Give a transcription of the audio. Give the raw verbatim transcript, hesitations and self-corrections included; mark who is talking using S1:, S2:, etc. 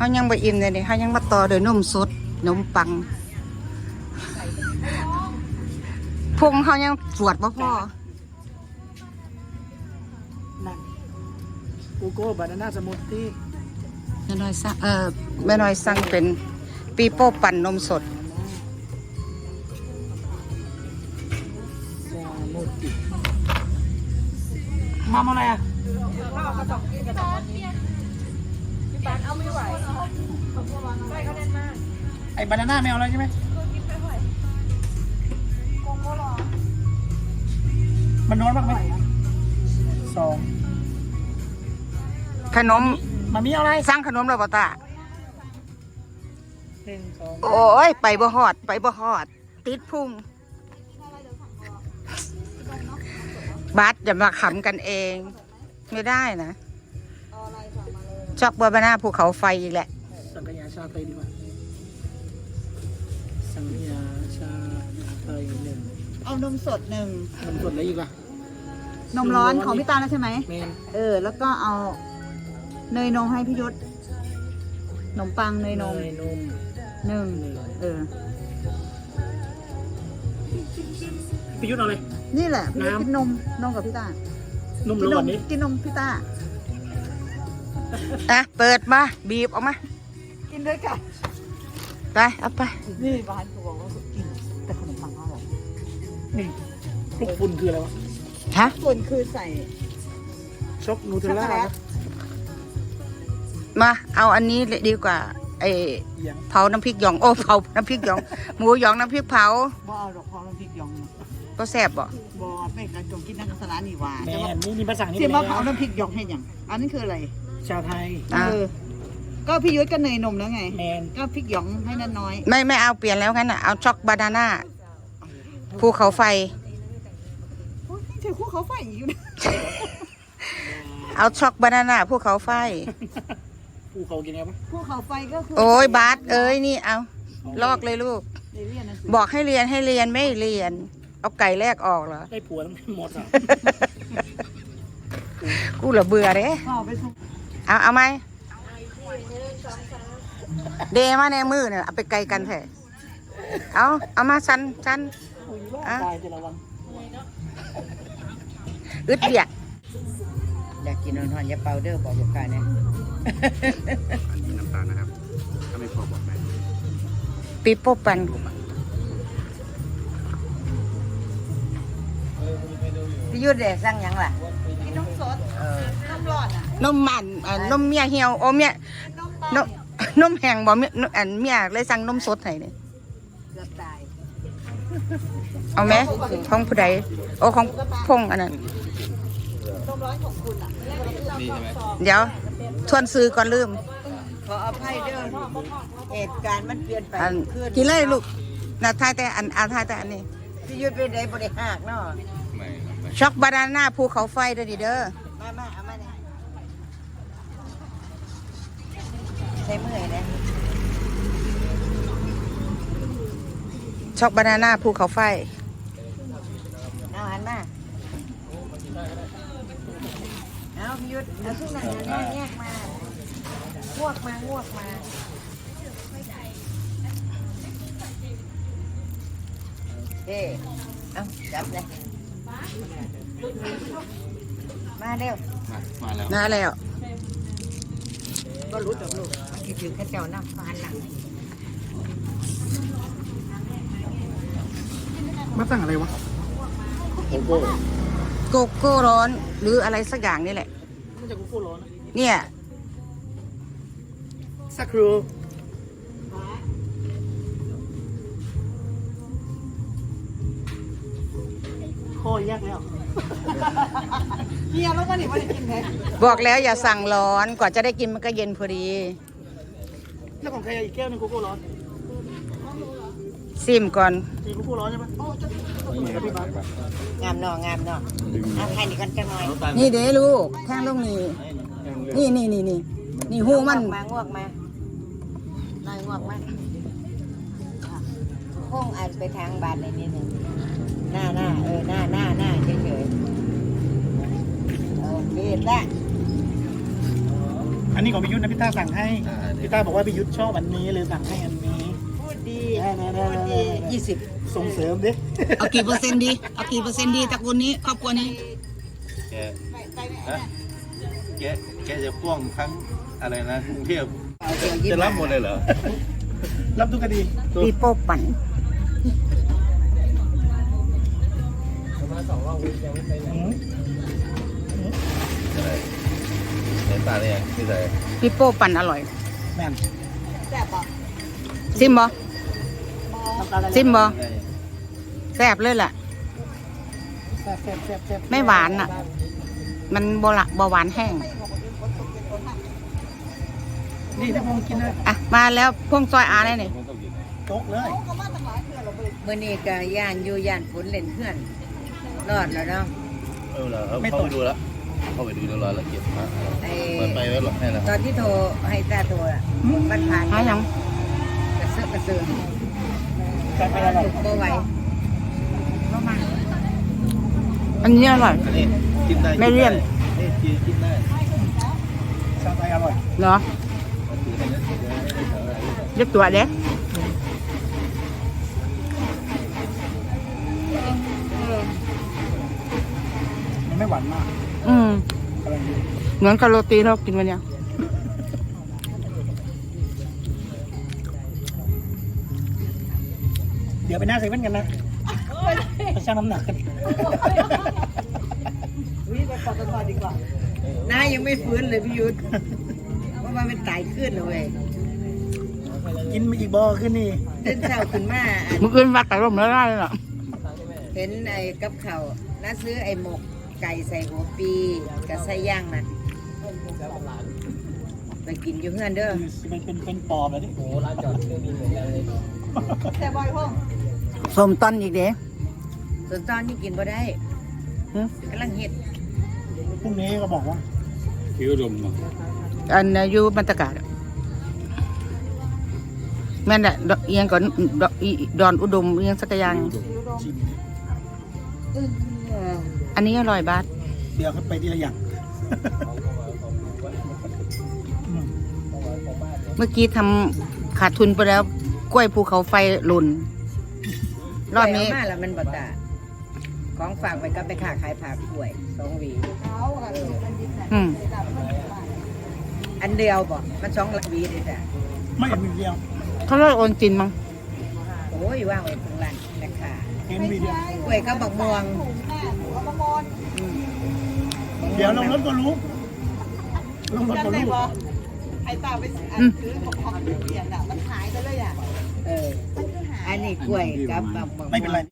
S1: เขายังไปอิ่มเลยนี่เขายังมาต่อโดยนมสดนมปังพุงเขายังสวดบ่พ่อ
S2: นั่นโกโก้บานาน่าสมูทตี้
S1: แม่น้อยสั่งเออแม่น้อยสั่งเป็นปีโป้ปั่นนมสด
S2: มาเมื่อไรอ่ะไอ้บานาน่าไม่เอาแล้วใช่ไหมมันน้อยมากไหมสอง
S1: ขนม
S2: มันมีอะไร
S1: สั่งขนมแล้วบ่ตา
S2: หนึ่งสอง
S1: โอ้ยไปบ่ฮอดไปบ่ฮอดติดพุงบัสอย่ามาขำกันเองไม่ได้นะช็อกบัวบานาภูเขาไฟอีกแหละ
S2: สังขยาชาไทยดีกว่าสังขยาชาไทยหนึ่ง
S1: เอานมสดหนึ่ง
S2: นมสดอะไรอีกล่ะ
S1: นมร้อนของพี่ตาแล้วใช่ไหม
S2: เมน
S1: เออแล้วก็เอาเนยนมให้พี่ยุทธนมปังเนยนม
S2: เนยนม
S1: หนึ่งเออ
S2: พี่ยุทธเอาเลย
S1: นี่แหละพี่ยุทธกินนมนมกับพี่ตาน
S2: มร้อนนี้
S1: กินนมพี่ตาอ่ะเปิดมาบีบออกมากินด้วยกันไปเอาไป
S2: นี่บ้านเขาบอกว่ากินแต่ขนมปังอร่อยนี่คลุกฝุ่นคืออะไรวะ
S1: ฮะฝุ่นคือใส่
S2: ช็อกนูเทลล่า
S1: มาเอาอันนี้ดีกว่าไอเผาน้ำพริกหยองโอ้เผาน้ำพริกหยองหมูหยองน้ำพริกเผา
S2: บ่เอาดอกเผาน้ำพริกหยอง
S1: ก็แซ่บบ่
S2: บ่ไม่กระจงกินน้ำสลัดนี่หว่าแต่ว่านี่นี่ภาษานี่
S1: ที่มาเผาน้ำพริกหยองให้ยังอันนี้คืออะไร
S2: ชาไทย
S1: เออก็พี่ยุ้ยก็เนยนมแล้วไง
S2: แมน
S1: ก็พริกหยองให้น้น้อยไม่ไม่เอาเปลี่ยนแล้วงั้นอ่ะเอาช็อกบานาน่าภูเขาไฟ
S2: โอ้ยเจอภูเขาไฟอยู่นะ
S1: เอาช็อกบานาน่าภูเขาไฟ
S2: ภูเขากินไงปะ
S1: ภูเขาไฟก็คือโอ้ยบาสเอ้ยนี่เอาลอกเลยลูกบอกให้เรียนให้เรียนไม่เรียนเอาไก่แรกออกเหรอ
S2: ได้ผัวต้องหมดอ่ะ
S1: กูเหลือเบื่อเด้เอาเอาไหมเดมาในมือเนี่ยเอาไปไกลกันเถอะเอาเอามาชันชันอ่ะอึดเบียดอยากกินนอนๆอย่าเป่าเด้อบอกลูกค้าเนี่ย
S3: อันนี้น้ำตาลนะครับถ้าไม่พอบอกได้
S1: ปีโป้ปันพี่ยุทธเดชสั่งยังล่ะกินนมสดนมร้อนอ่ะนมมันนมเมียเหี่ยวโอ้เมียนมนมแห้งบ่เมียอันเมียเลยสั่งนมสดให้เนี่ยเกือบตายเอาไหมของผู้ใดโอ้ของพงอันนั้นเดี๋ยวทวนซื้อก่อนลืมขออภัยเด้อเหตุการณ์มันเปลี่ยนไปกินเลยลูกน่ะทายแต่อันอาทายแต่อันนี้พี่ยุทธเป็นไดบ่ได้หักเนาะช็อกบานาน่าภูเขาไฟเด้อดิเด้อมามาเอามาเนี่ยใช้มือนะช็อกบานาน่าภูเขาไฟเอาหันมาเอาพี่ยุทธเอาทุกอย่างนั่งแยกมางวกมางวกมาเอ๊เอาจับเลยมาเร็ว
S3: มาแล้ว
S1: มาแล้วก็รู้จักลูกคิดถึงข้าเจ้าน้ำฟานหลัง
S2: มาตั้งอะไรวะ
S3: โกโก้
S1: โกโก้ร้อนหรืออะไรสักอย่างนี่แหละ
S2: มันจะโกโก้ร้อน
S1: เนี่ย
S2: สักครูโคตรยากแล้วเฮียแล้วก็หนีไม่ได้กินแท้
S1: บอกแล้วอย่าสั่งร้อนกว่าจะได้กินมันก็เย็นพอดี
S2: แล้วของใครอีกแก้วนึงโกโก้ร้อน
S1: ซิมก่อน
S2: มีโกโก้ร้อนใช่ไหม
S1: งามเนาะงามเนาะเอาใครนี่กันจังหน่อยนี่เด้ลูกแท่งลงนี่นี่นี่นี่นี่นี่หูมันมางวกมาหน่อยงวกมาห้องอันไปทางบ้านในนี้หนึ่งหน้าหน้าเออหน้าหน้าหน้าเฉยๆเออเบียดละ
S2: อันนี้ของพี่ยุทธนะพี่ต้าสั่งให้พี่ต้าบอกว่าพี่ยุทธชอบอันนี้เลยสั่งให้อันนี้พูดดีพูดดียี่สิบส่งเสริมดิ
S1: เอากี่เปอร์เซ็นต์ดีเอากี่เปอร์เซ็นต์ดีตระกูลนี้ครอบครัวนี้
S4: แกฮะแกแกจะพ่วงทั้งอะไรนะกรุงเทพจะรับหมดเลยเหรอ
S2: รับทุกคดี
S1: ปีโป้ปั่น
S2: อืม
S4: อะไรในตาเนี่ยที่ไหน
S1: ปีโป้ปั่นอร่อย
S2: แม่น
S1: ซิมบ่ซิมบ่
S4: ไง
S1: แซ่บเลยแหละ
S2: แซ่บแซ่บแซ่บแซ่บ
S1: ไม่หวานอ่ะ มันบ่ละบ่หวานแห้ง
S2: นี่ถ้าพงกินนะ
S1: อ่ะมาแล้วพวงซอยอาได้นี่
S4: มันต้องกิน
S2: โต๊ะเลย
S5: มื่อนี้ก็ย่านอยู่ย่านฝนเล่นเพื่อนรอดแล้วเนาะ
S4: เออเหรอเข้าไปดูแล้วเข้าไปดูเรียบร้อยแล้วเก็บพระ
S5: ไอ้
S4: เปิดไปไว้หรอกให้นะ
S5: ตอนที่โทรให้ตาโทรอ่ะมันผ่าน
S1: หายัง
S5: กระเซาะกระเซิง
S2: การไปอร่อย
S5: บ่ไหว
S1: อันนี้อร่อย
S4: อันนี้กินได้
S1: ไม่เลี่ยน
S4: นี่กินกินได้
S2: สั่งไปอร่อย
S1: เหรอเรียกตัวเด็ก
S2: มันไม่หวานมาก
S1: อืม
S2: กำลังดี
S1: เหมือนกับโรตีเรากินวันเนี้ย
S2: เดี๋ยวไปหน้าเซเว่นกันนะไปชั่งน้ำหนักกัน
S5: น้ายังไม่ฟื้นเลยพี่ยุทธเพราะว่ามันตายขึ้นเลยเว้ย
S2: กินมาอีกบ่อขึ้นนี่
S5: เต้นเช้าขึ้นมาอัน
S1: มึงอื่นวัดแต่ร่มแล้วได้เลยเหรอ
S5: เห็นไอ้กับเขาวน้าซื้อไอ้หมกไก่ใส่หัวปีกับไส้ย่างนั่นไปกินอยู่เพื่อนเด้อ
S2: มันเป็นเป็นปอบเลยดิโอ้ร้านจอดเครื่องบินเหมือนกันเลย
S1: ส้มต้นอีกเด้
S5: ส่วนตอนนี้กินบ่ได้
S1: หึ
S5: กำลังเฮ็ด
S2: พรุ่งนี้ก็บอกว่า
S4: คิ้วดม
S1: อันน่ะอยู่บรรยากาศอะแม่นแหละดอกเอียงก่อนดอกอีดอนอุดมเอียงสักอย่าง
S2: ชิม
S1: อันนี้อร่อยบาส
S2: เดี๋ยวเขาไปทีละอย่างอืม
S1: เมื่อกี้ทำขาดทุนไปแล้ว กล้วยภูเขาไฟหล่นรอบนี้
S5: ไปเามาแล้วมันบ่ตาของฝากไว้ก็ไปค้าขายผักกล้วยสองหวี
S1: อืม
S5: อันเดียวบ่มันสองหวีเลยจ้ะ
S2: ไม่เห็นวีเดียว
S1: เขาเรียกโอนจินมั้ง
S5: โอ้ยว่างไว้ตรงร้านแม่ค้า
S2: เห็นวีเดียว
S5: กล้วยก็บักม่วงอืม
S2: เดี๋ยวลงรถก็รู้ลงรถก็รู้
S1: อืม
S5: เอออันนี้กล้วยกับบักม่วง
S2: ไม่เป็นไร